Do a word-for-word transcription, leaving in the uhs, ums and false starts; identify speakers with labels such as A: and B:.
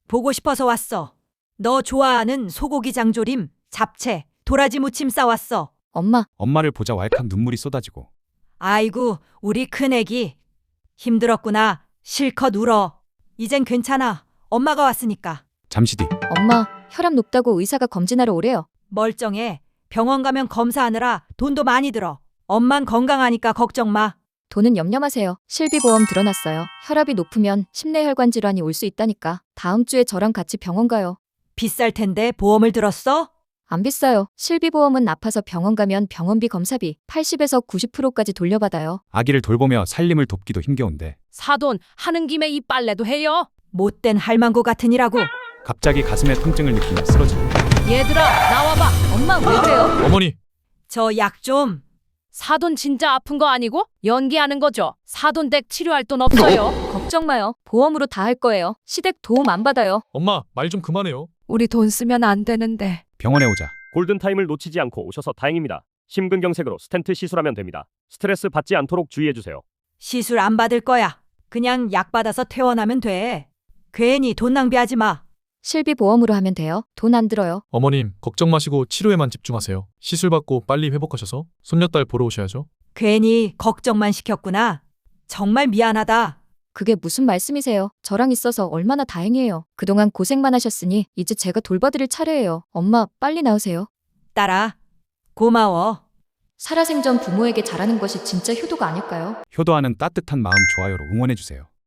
A: 보고 싶어서 왔어. 너 좋아하는 소고기 장조림, 잡채, 도라지 무침 싸왔어.
B: 엄마,
C: 엄마를 보자 왈칵 눈물이 쏟아지고.
A: 아이고, 우리 큰애기. 힘들었구나. 실컷 울어. 이젠 괜찮아. 엄마가 왔으니까.
C: 잠시 뒤
B: 엄마, 혈압 높다고 의사가 검진하러 오래요.
A: 멀쩡해. 병원 가면 검사하느라 돈도 많이 들어. 엄만 건강하니까 걱정 마.
B: 돈은 염려 마세요. 실비보험 들어놨어요. 혈압이 높으면 심내혈관 질환이 올 수 있다니까. 다음 주에 저랑 같이 병원 가요.
A: 비쌀 텐데 보험을 들었어?
B: 안 비싸요. 실비보험은 아파서 병원 가면 병원비 검사비 팔십에서 구십 퍼센트까지 돌려받아요.
C: 아기를 돌보며 살림을 돕기도 힘겨운데
D: 사돈 하는 김에 이 빨래도 해요.
A: 못된 할망구 같으니라고.
C: 갑자기 가슴에 통증을 느끼며 쓰러지고.
D: 얘들아 나와봐.
B: 엄마, 왜 그래요?
E: 어머니,
A: 저 약 좀.
D: 사돈 진짜 아픈 거 아니고 연기하는 거죠. 사돈 댁 치료할 돈 없어요.
B: 걱정 마요. 보험으로 다 할 거예요. 시댁 도움 안 받아요.
E: 엄마, 말 좀 그만해요.
D: 우리 돈 쓰면 안 되는데.
C: 병원에 오자
F: 골든타임을 놓치지 않고 오셔서 다행입니다. 심근경색으로 스텐트 시술하면 됩니다. 스트레스 받지 않도록 주의해주세요.
A: 시술 안 받을 거야. 그냥 약 받아서 퇴원하면 돼. 괜히 돈 낭비하지 마.
B: 실비보험으로 하면 돼요. 돈 안 들어요.
E: 어머님, 걱정 마시고 치료에만 집중하세요. 시술 받고 빨리 회복하셔서 손녀딸 보러 오셔야죠.
A: 괜히 걱정만 시켰구나. 정말 미안하다.
B: 그게 무슨 말씀이세요? 저랑 있어서 얼마나 다행이에요. 그동안 고생만 하셨으니 이제 제가 돌봐드릴 차례예요. 엄마, 빨리 나으세요.
A: 딸아, 고마워.
B: 살아생전 부모에게 잘하는 것이 진짜 효도가 아닐까요?
C: 효도하는 따뜻한 마음 좋아요로 응원해주세요.